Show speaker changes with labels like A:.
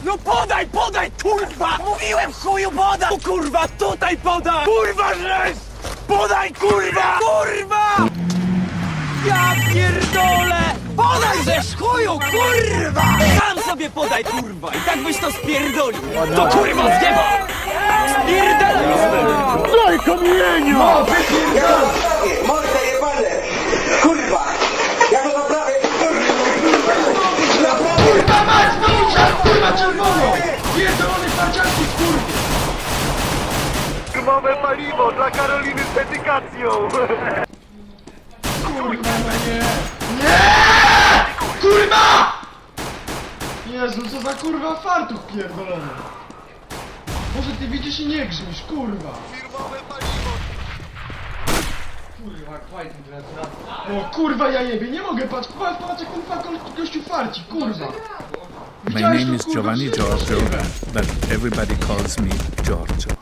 A: No podaj, kurwa! Mówiłem chuju, podaj! O, kurwa, tutaj podaj! Kurwa, żeś! Podaj, kurwa! Kurwa! Ja pierdolę! Podaj, żeż chuju, kurwa! Sam sobie podaj, kurwa! I tak byś to spierdolił! To kurwa z nieba! Spierdalaj!
B: Daj kamienia!
C: No, wypierdolę! Mordę jebane! Kurwa! Ja go naprawię!
B: Kurwa mać, no kurwa czerwono! Pierdolony paciarki, kurwa!
D: Darmowe paliwo dla Karoliny z dedykacją!
B: Kurwa, no nie! Nie! Kurwa! Jezu, co za kurwa fartuch pierdolony! Może ty widzisz i nie grzmisz, kurwa!
D: Firmowe paliwo!
B: Kurwa, kwajt O kurwa, ja jebie, nie mogę, patrz jak ten gościu farci, kurwa!
E: My name is Giovanni Giorgio, but everybody calls me Giorgio.